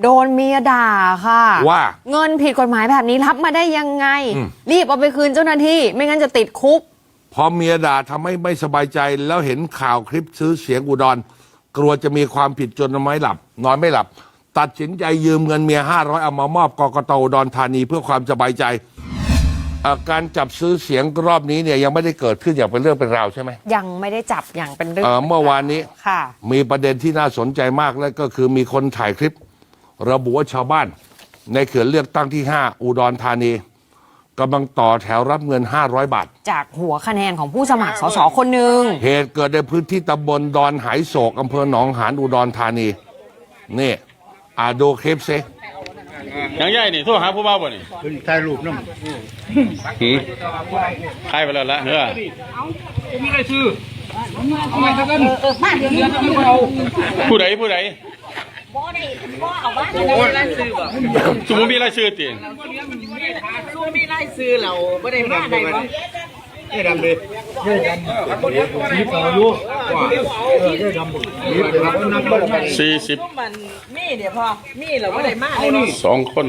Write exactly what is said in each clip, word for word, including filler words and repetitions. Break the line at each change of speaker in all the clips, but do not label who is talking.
โดนเมียด่าค่ะ
ว่า
เงินผิดกฎหมายแบบนี้รับมาได้ยังไงรีบเอาไปคืนเจ้าหน้าที่ไม่งั้นจะติดคุก
พอเมียด่าทำให้ไม่สบายใจแล้วเห็นข่าวคลิปซื้อเสียงอุดรกลัวจะมีความผิดจนนอนไม่หลับนอนไม่หลับตัดสินใจยืมเงินเมียห้าร้อยเอามามอบกกต.อุดรธานีเพื่อความสบายใจการจับซื้อเสียงรอบนี้เนี่ยยังไม่ได้เกิดขึ้นอย่างเป็นเรื่องเป็นราวใช่ไหม
ยังไม่ได้จับอย่างเป็นเรื่อง
เมื่อวานนี้มีประเด็นที่น่าสนใจมากและก็คือมีคนถ่ายคลิประบุว่าชาวบ้านในเขตเลือกตั้งที่ห้าอุดรธานีกำลังต่อแถวรับเงินห้าร้อยบาท
จากหัวคะแนนของผู้สมัครสสคนหนึ่ง
เหตุเกิดในพื้นที่ตำบลดอนหายโศกอำเภอหนองหานอุดรธานีนี่อาดูคลิปซิ
ยังใหญ่นี่โทรหาผู้บ่าวบ่นี่
ถ่ายรูปน้
ำหืมใครไปแล้วละเนื้อ
มีอะไรซื้อเอาไปกันมาเดี๋ยวนี้
ผู้ใดผู้ใดสมมติมีรายชื่อติ
สมมติมีรายชื่อเราไม่ได้มาได้บ่
ได้ดำเลยได้ดำสีขาวอยู่ว่าเออได้ดำ
สี่สิบ
มีเดี๋ยวพอมีเราไม่ได้มา
เลยสองคน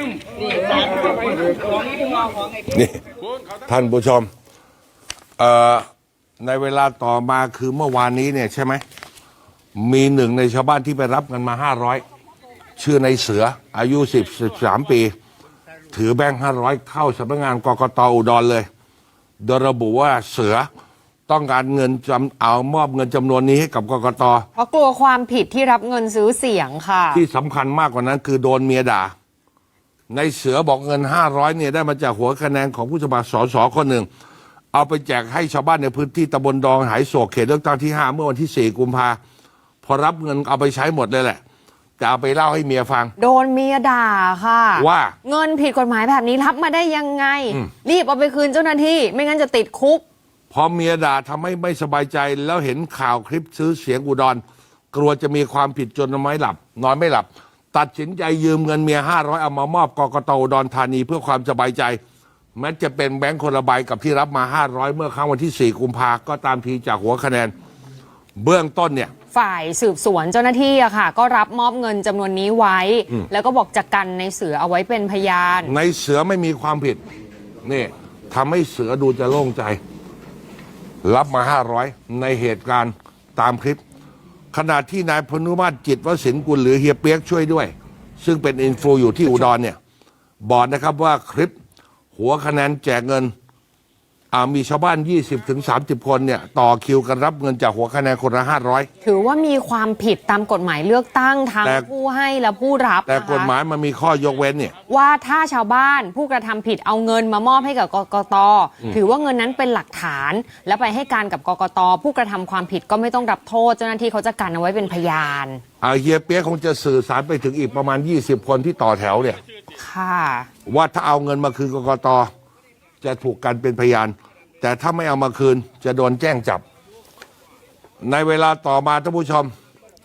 นี่ท่านผู้ชมเอ่อในเวลาต่อมาคือเมื่อวานนี้เนี่ยใช่ไหมมีหนึ่งในชาวบ้านที่ไปรับเงินมาห้าร้อยชื่อในเสืออายุสิบสิบสามปีถือแบงค์ห้าร้อยเข้าสำนักงานกกต.อุดรเลยโดยระบุว่าเสือต้องการเงินจำเอามอบเงินจำนวนนี้ให้กับกกต.
เพราะกลัวความผิดที่รับเงินซื้อเสียงค่ะ
ที่สำคัญมากกว่านั้นคือโดนเมียด่าในเสือบอกเงินห้าร้อยเนี่ยได้มาจากหัวคะแนนของผู้สมัครสสคนหนึ่งเอาไปแจกให้ชาวบ้านในพื้นที่ตำบลดอนหายโศกเขตเลือกตั้งที่ห้าเมื่อวันที่สี่กุมภาพอรับเงินเอาไปใช้หมดเลยแหละจะเอาไปเล่าให้เมียฟัง
โดนเมียด่าค่ะ
ว่า
เงินผิดกฎหมายแบบนี้รับมาได้ยังไงรีบเอาไปคืนเจ้าหน้าที่ไม่งั้นจะติดคุก
พอเมียด่าทำให้ไม่สบายใจแล้วเห็นข่าวคลิปซื้อเสียงอุดรกลัวจะมีความผิดจนนอนไม่หลับนอนไม่หลับตัดสินใจยืมเงินเมียห้าร้อยเอามามอบกกต.อุดรธานีเพื่อความสบายใจแม้จะเป็นแบงค์คนละใบกับที่รับมาห้าร้อยเมื่อครั้งวันที่สี่กุมภาก็ตามทีจากหัวคะแนนเบื้องต้นเนี่ย
ฝ่ายสืบสวนเจ้าหน้าที่อะค่ะก็รับมอบเงินจำนวนนี้ไว้แล้วก็บอกจะกันในเสือเอาไว้เป็นพยาน
ในเสือไม่มีความผิดนี่ทำให้เสือดูจะโล่งใจรับมาห้าร้อยในเหตุการณ์ตามคลิปขณะที่นายพนุมาตรจิตวศิลป์กุลหรือเฮียเปียกช่วยด้วยซึ่งเป็นอินฟูอยู่ที่อุดรเนี่ยบอกนะครับว่าคลิปหัวคะแนนแจกเงินมีชาวบ้าน ยี่สิบถึงสามสิบ คนเนี่ยต่อคิวกันรับเงินจากหัวคะแนนคนละห้าร้อย
ถือว่ามีความผิดตามกฎหมายเลือกตั้งทั้งผู้ให้และผู้รับ
แต่กฎหมายมันมีข้อยกเว้นเนี่ย
ว่าถ้าชาวบ้านผู้กระทำผิดเอาเงินมามอบให้กับกกต.ถือว่าเงินนั้นเป็นหลักฐานและไปให้การกับกกต.ผู้กระทำความผิดก็ไม่ต้องรับโทษเจ้าหน้าที่เขาจะกันเอาไว้เป็นพยาน
เฮียเปี๊ยกคงจะสื่อสารไปถึงอีกประมาณยี่สิบคนที่ต่อแถวเนี่ย
ค่ะ
ว่าถ้าเอาเงินมาคืนกกต.จะถูกกันเป็นพยานแต่ถ้าไม่เอามาคืนจะโดนแจ้งจับในเวลาต่อมาท่านผู้ชม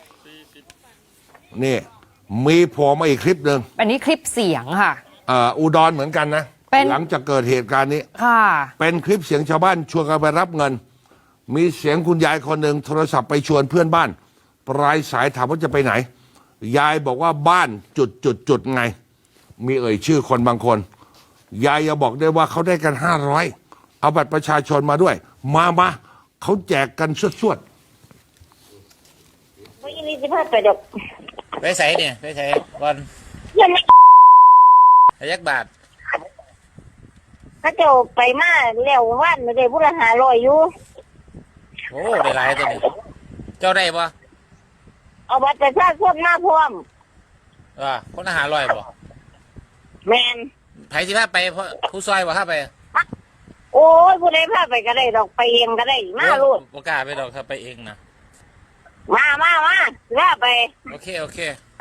นี่มีโผล่มาอีกคลิปหนึ่ง
อันนี้คลิปเสียงค่ะ
อ่าอุดรเหมือนกันนะหลังจากเกิดเหตุการณ์นี้
ค่ะ
เป็นคลิปเสียงชาวบ้านชวนกันไปรับเงินมีเสียงคุณยายคนหนึ่งโทรศัพท์ไปชวนเพื่อนบ้านปลายสายถามว่าจะไปไหนยายบอกว่าบ้านจุดจุดจุดไงมีเอ่ยชื่อคนบางคนยายจะบอกได้ว่าเขาได้กันห้าร้อยเอาบัตรประชาชนมาด้วยมามาเขาแจกกันสวด
ๆไม่ยินดีจะพาไปดอก
ไปใส่เนี่ยไปใส่ก่อน
ยังไม่
ยักบาท
ถ้าเจ้าไปมาแล้ววันไม่ได้ผู้ละหาลอยอยู่
โอ้ได้หลายตัวนี้เจ้าได้ปะ
เอาบัตรประชาชนมาพร้อม
ว่าคนละหาลอยปะ
แมน
ไผสิพาไปผู้ซอยบ่พาไป
โอ้ยผู้ใดพาไปก็ได้ดอกไปเองก็ได้มาลูก
บ่กล้าไปดอกถ้าไปเองนะ
มามามาลาไป
โอเคโอเค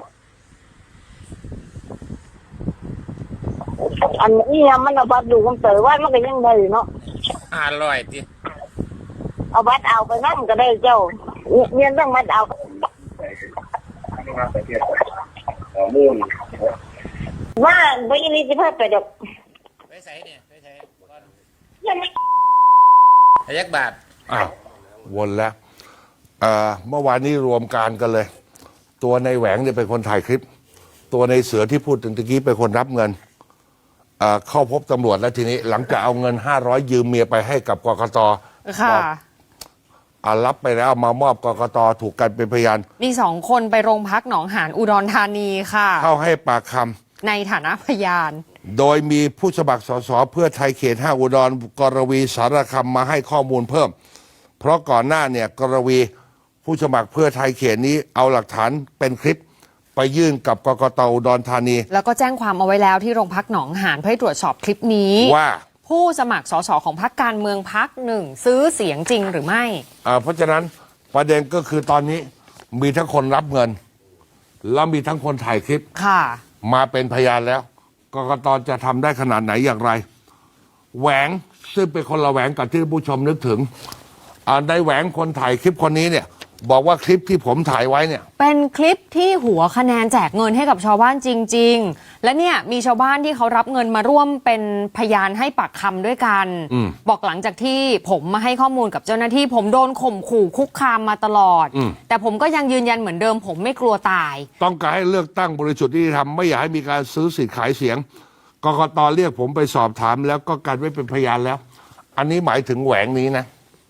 อันนี้มันเอาบัตรดูคำเต๋อว่ามันก็ยังได้เนาะ
ห้าร้อยดิ
เอาบัตรเอาไปนั่งก็ได้เจ้าเมียนต้องบัตรเอาว่าไม่ยินดีจะพาไปดอก
ไปใส่เนี่ยไปใส่ก่อน
ยังไม่
ยักบาท
อ้าววนแล้วเอ่อเมื่อวานนี้รวมการกันเลยตัวในแหวงเนี่ยเป็นคนถ่ายคลิปตัวในเสือที่พูดถึงตะกี้เป็นคนรับเงินเอ่อเข้าพบตำรวจแล้วทีนี้ หลังจากเอาเงินห้าร้อยยืมเมียไปให้กับกกต
ค่ะ
บอกอ่ารับไปแล้วมามอบกกตถูกกันเป็นพยาน
มีสองคนไปโรงพักหนองหานอุดรธานีค่ะ
เข้าให้ปากคำ
ในฐานะพยาน
โดยมีผู้สมัครสสเพื่อไทยเขตห้าอุดรกรวีสารคำมาให้ข้อมูลเพิ่ม เพราะก่อนหน้าเนี่ยกรวีผู้สมัครเพื่อไทยเขตนี้เอาหลักฐานเป็นคลิปไปยื่นกับกกตอุดรธานี
แล้วก็แจ้งความเอาไว้แล้วที่โรงพักหนองหานเพื่อให้ตรวจสอบคลิปนี้
ว่า
ผู้สมัครสสของพรรคการเมืองพรรคหนึ่งซื้อเสียงจริงหรือไม่
อ่าเพราะฉะนั้นประเด็นก็คือตอนนี้มีทั้งคนรับเงิน แล้วมีทั้งคนถ่ายคลิป
ค่ะ
มาเป็นพยานแล้วกกตจะทำได้ขนาดไหนอย่างไร แหวงซึ่งเป็นคนละแหวงกับที่ผู้ชมนึกถึงอ่าในแหวงคนถ่ายคลิปคนนี้เนี่ย บอกว่าคลิปที่ผมถ่ายไว้เนี่ย
เป็นคลิปที่หัวคะแนนแจกเงินให้กับชาวบ้านจริง ๆ และเนี่ยมีชาวบ้านที่เขารับเงินมาร่วมเป็นพยานให้ปากคำด้วยกัน
อืม
บอกหลังจากที่ผมมาให้ข้อมูลกับเจ้าหน้าที่ผมโดนข่มขู่คุกคามมาตลอด
อืม
แต่ผมก็ยังยืนยันเหมือนเดิม ผมไม่กลัวตาย
ต้องการให้เลือกตั้งบริสุทธิ์ที่ทำไม่อยากให้มีการซื้อสิทธิ์ขายเสียงกกตเรียกผมไปสอบถามแล้วก็กันไว้เป็นพยานแล้ว อันนี้หมายถึงแหวงนี้นะ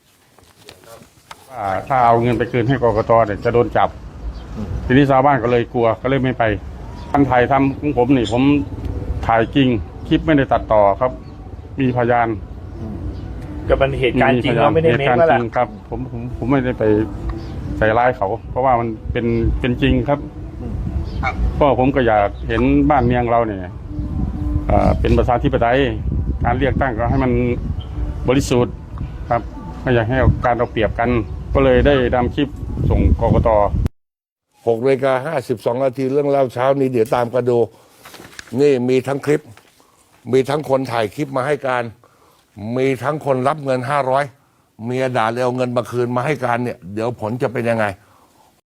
อ่าถ้าเอาเงินไปคืนให้กกตเนี่ยจะโดนจับ ทีนี้ชาวบ้านก็เลยกลัวก็เลยไม่ไปท่านถ่ายทำของผมนี่ผมถ่ายจริงคลิปไม่ได้ตัดต่อครับ มีพยาน
ก็เป็นเหตุการณ์จริง
พย
เราไม่ได้
เห
เม
ตุ
ค
การณ์
แล้ว
จ
ล่ะ
ริงครับผมผมผมไม่ได้ไปใส่ร้ายเขา เพราะว่ามันเป็นเป็นจริงครับเพราะผมก็อยากเห็นบ้านเมืองเราเนี่ยเอ่อเป็นประชาธิปไตยการเลือกตั้งก็ให้มันบริสุทธิ์ครับไม่อยากให้เอาการเอาเปรียบกัน ก็เลยได้นำคลิปส่งกกต
หกนาฬิกาห้าสิบสองนาทีเรื่องเล่าเช้านี้เดี๋ยวตามกันดู นี่มีทั้งคลิป มีทั้งคนถ่ายคลิปมาให้การ มีทั้งคนรับเงินห้าร้อยเมียด่าเลยเอาเงินมาคืนมาให้การเนี่ย เดี๋ยวผลจะเป็นยังไง